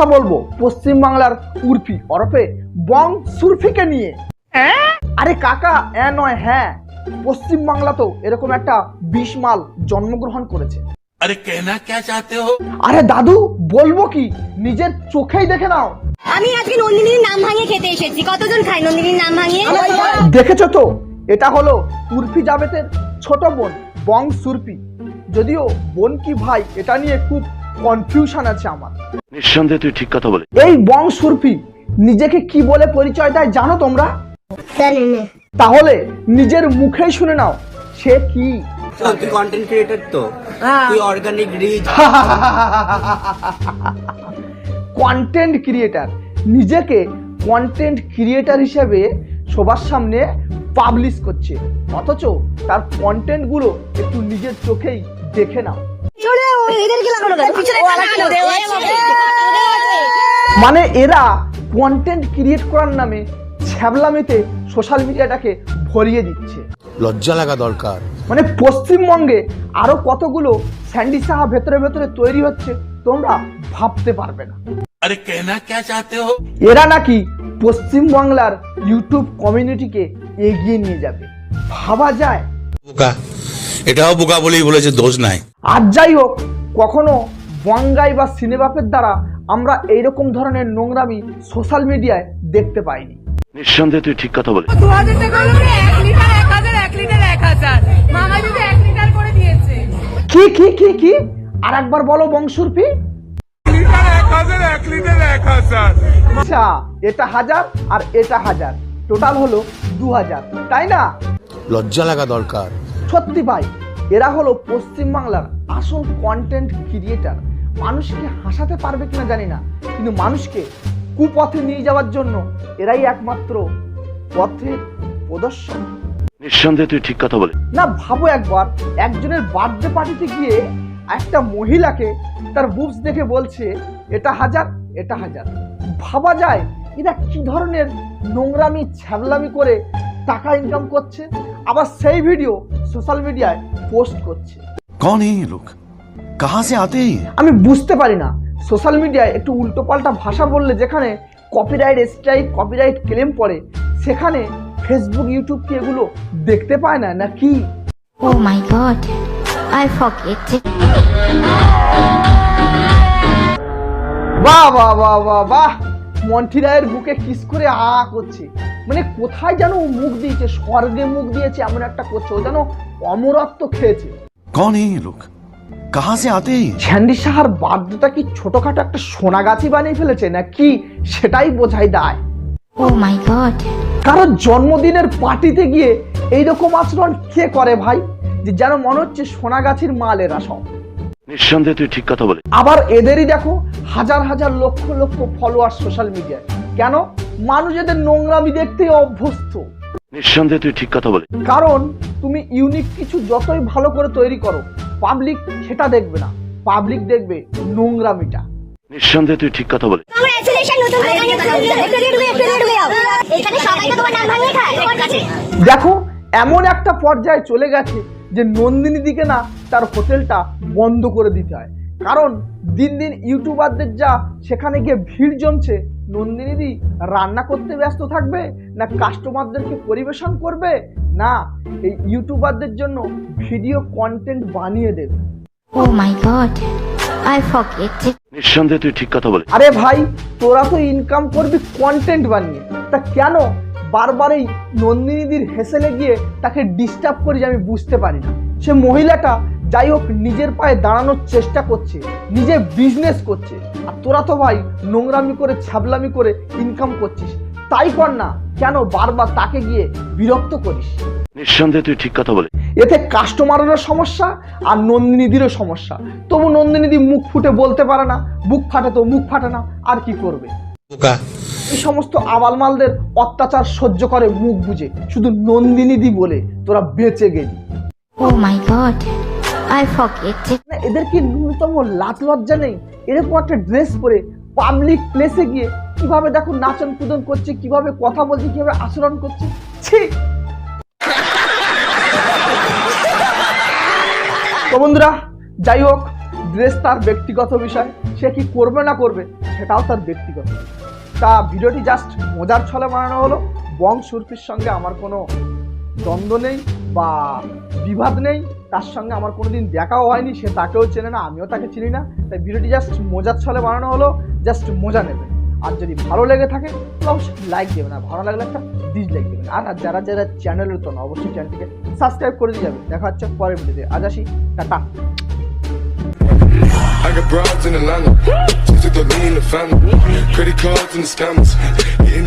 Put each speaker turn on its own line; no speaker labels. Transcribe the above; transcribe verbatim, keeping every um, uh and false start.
বলবো পশ্চিম বাংলার উর্ফি ওরফে বং সুরফিকে নিয়ে। আরে কাকা এ নয় হ্যাঁ, পশ্চিম বাংলা তো এরকম একটা বিশ মাল জন্মগ্রহণ করেছে।
আরে কেনা কে চাতে হো?
আরে দাদু বলবো কি, নিজের চোখেই দেখে নাও।
আমি আজকে নন্দিনীর নাম ভাঙিয়ে খেতে এসেছি। কতজন খায় নন্দিনীর নাম ভাঙিয়ে?
দেখেছো তো, এটা হলো উর্ফি জাবেতের ছোট বোন বং সুরফি। যদিও বোন কি ভাই এটা নিয়ে খুব কনফিউশন আছে আমার।
নিঃসন্দেহে তুই ঠিক কথা বলে।
এই বং সুরফি নিজেকে কি বলে পরিচয় দেয় জানো তোমরা? তাহলে নিজের মুখেই শুনে নাও সে কি।
তুই কন্টেন্ট ক্রিয়েটর তো, তুই অর্গানিক রিচ।
কন্টেন্ট ক্রিয়েটার, নিজেকে কন্টেন্ট ক্রিয়েটার হিসেবে সবার সামনে পাবলিশ করছে, অথচ তার কন্টেন্ট গুলো একটু নিজের চোখেই দেখে নাও। মানে এরা কন্টেন্ট ক্রিয়েট করার নামে ছ্যাবলামিতে সোশ্যাল মিডিয়াটাকে ভরিয়ে দিচ্ছে।
লজ্জা লাগা দরকার।
মানে পশ্চিমবঙ্গে আরো কতগুলো স্যান্ডি সাহা ভেতরে ভেতরে তৈরি হচ্ছে তোমরা ভাবতে পারবে না।
আরে কেনা কে চাতে হো?
এরা নাকি পশ্চিম বাংলার ইউটিউব কমিউনিটিকে এগিয়ে নিয়ে যাবে, ভাবা যায়?
বোকা, এটাও বোকা বলেই বলেছে, দোষ নাই।
আর যাই হোক, কখনো বঙ্গাই বা সিনেবাপের দ্বারা আমরা এইরকম ধরনের নোংরামি সোশ্যাল মিডিয়ায় দেখতে পাইনি।
নিঃসন্দেহে তুই ঠিক কথা বলে।
দু হাজার টাকা হলো এক লিটার এক হাজার এক লিটার এক হাজার মামা যদি এক লিটার করে দিয়েছে।
কি কি কি কি আর একবার বলো বংশুরফি। আচ্ছা, এটা হাজার আর এটা হাজার, টোটাল হলো দু হাজার, তাই না?
লজ্জা লাগা দরকার।
সত্যি ভাই, এরা হলো পশ্চিম বাংলার আসল কন্টেন্ট ক্রিয়েটার। মানুষকে হাসাতে পারবে কিনা জানি না, কিন্তু মানুষকে কুপথে নিয়ে যাওয়ার জন্য এরাই একমাত্র পথের প্রদর্শক।
নিঃসন্দেহে তুই ঠিক কথা বলে।
না ভাবো একবার, একজনের বার্থডে পার্টিতে গিয়ে একটা মহিলাকে তার বুবস দেখে বলছে এটা হাজার এটা হাজার। ভাবা যায় এরা কি ধরনের নোংরামি ছ্যাবলামি করে টাকা ইনকাম করছে, আবার সেই ভিডিও সোশ্যাল মিডিয়ায় পোস্ট করছে।
कौन है ये लोग, कहां से आते हैं?
আমি বুঝতে পারি না, সোশ্যাল মিডিয়ায় একটু উল্টোপাল্টা ভাষা বললে যেখানে কপিরাইট স্ট্রাইক কপিরাইট ক্লেম পড়ে, সেখানে ফেসবুক ইউটিউব কি এগুলো দেখতে পায় না নাকি?
Oh my god, I forget it.
বাহ বাহ বাহ বাহ বাহ, মন্টি রায়ের বুকে কিস করে আ করছে। মানে কোথায় যেন মুখ দিয়েছে, স্বর্গে মুখ দিয়েছে এমন একটা করছে, ও যেন অমরত্ব খেয়েছে।
कौन है ये लोग, कहां से आते हैं?
স্যান্ডি সাহার বার্থডেটা কি ছোটখাটো একটা সোনাগাছি বানিয়ে ফেলেছে নাকি, সেটাই বোঝাই দায়।
Oh my god.
কারণ জন্মদিনের পার্টিতে গিয়ে এইরকম আচরণ কে করে ভাই, যে যেন মনে হচ্ছে সোনাগাছির মাল এরা সব।
নিঃসন্দেহে তুই ঠিক কথা বলে।
আবার এদেরই দেখো হাজার হাজার লক্ষ লক্ষ ফলোয়ার সোশ্যাল মিডিয়ায়। কেন? মানুষ এদের নোংরামি দেখতেই অভ্যস্ত।
নিঃসন্দেহে তুই ঠিক কথা বলে।
কারণ তুমি ইউনিক কিছু যতই ভালো করে তৈরি করো, পাবলিক সেটা দেখবে না, পাবলিক দেখবে নোংরামিটা।
নিঃসন্দেহে তুই ঠিক কথা বলে।
Congratulations নতুন দোকানে এফিলিয়েট হয়ে এফিলিয়েট হয়ে যাও। এখানে সবাই তো তোমার নাম ভাঙিয়ে খায় তোমার কাছে।
দেখো এমন একটা পর্যায়ে চলে গেছে যে নন্দিনী দিকে না তার হোটেলটা বন্ধ করে দিতে হয়। কারণ দিন দিন ইউটিউবারদের যা সেখানে গিয়ে ভিড় জমছে, নন্দিনী দি রান্না করতে ব্যস্ত থাকবে না কাস্টমারদেরকে পরিবেশন করবে, না এই ইউটিউবারদের জন্য ভিডিও কন্টেন্ট বানিয়ে দেবে।
Oh my god, I forget it.
নিঃসন্দেহে তুই ঠিক কথা বলে।
আরে ভাই, তোরা তো ইনকাম করবি কন্টেন্ট বানিয়ে, তা কেন বারবার এই নন্দিনীদির হেসেলে গিয়ে তাকে ডিস্টার্ব করি আমি বুঝতে পারি না। সে মহিলাটা যাই হোক নিজের পায়ে দাঁড়ানোর চেষ্টা করছে, নিজে বিজনেস করছে, আর তোরা তো ভাই নোংরামি করে ছ্যাবলামি করে ইনকাম করছিস, তাই কর না, কেন বারবার তাকে গিয়ে বিরক্ত করিস?
নিঃসন্দেহে তুই ঠিক কথা বলে।
এতে কাস্টমারেরও সমস্যা আর নন্দিনীদিরও সমস্যা। তবু নন্দিনীদি মুখ ফুটে বলতে পারে না, বুক ফাটে তো মুখ ফাটে না, আর কি করবে?
বোকা,
এই সমস্ত আবালমালদের অত্যাচার সহ্য করে মুখ বুঝে, শুধু নন্দিনীদি বলে তোরা বেঁচে গেলি।
Oh my god, I forget it.
এদের কি ন্যূনতম লাজ লজ্জা নেই? এরকম একটা ড্রেস পরে পাবলিক প্লেসে গিয়ে কিভাবে দেখো নাচন কুদন করছে, কিভাবে কথা বলছে, কিভাবে আচরণ করছে, ছি। তো বন্ধুরা, যাই হোক, ড্রেস তার ব্যক্তিগত বিষয়, সে কি করবে না করবে সেটাও তার ব্যক্তিগত। তা ভিডিওটি জাস্ট মজার ছলে বানানো হলো। বং সুরপির সঙ্গে আমার কোনো দ্বন্দ্ব নেই বা বিবাদ নেই, তার সঙ্গে আমার কোনোদিন দেখাও হয়নি, সে তাকেও চেনে না, আমিও তাকে চিনি না। তাই ভিডিওটি জাস্ট মজার ছলে বানানো হলো, জাস্ট মজা নেবেন। আর যদি ভালো লেগে থাকে তাহলে অবশ্যই লাইক দেবেন, আর ভালো লাগলে একটা ডিসলাইক দেবেন। আর যারা যারা চ্যানেলের তো না অবশ্যই চ্যানেলটিকে সাবস্ক্রাইব করে দিয়ে যাবেন। দেখা হচ্ছে পরের ভিডিওতে। আজ আসি, টাটা।
I got broads in Atlanta, just took the lean in the family, credit cards and the scammers.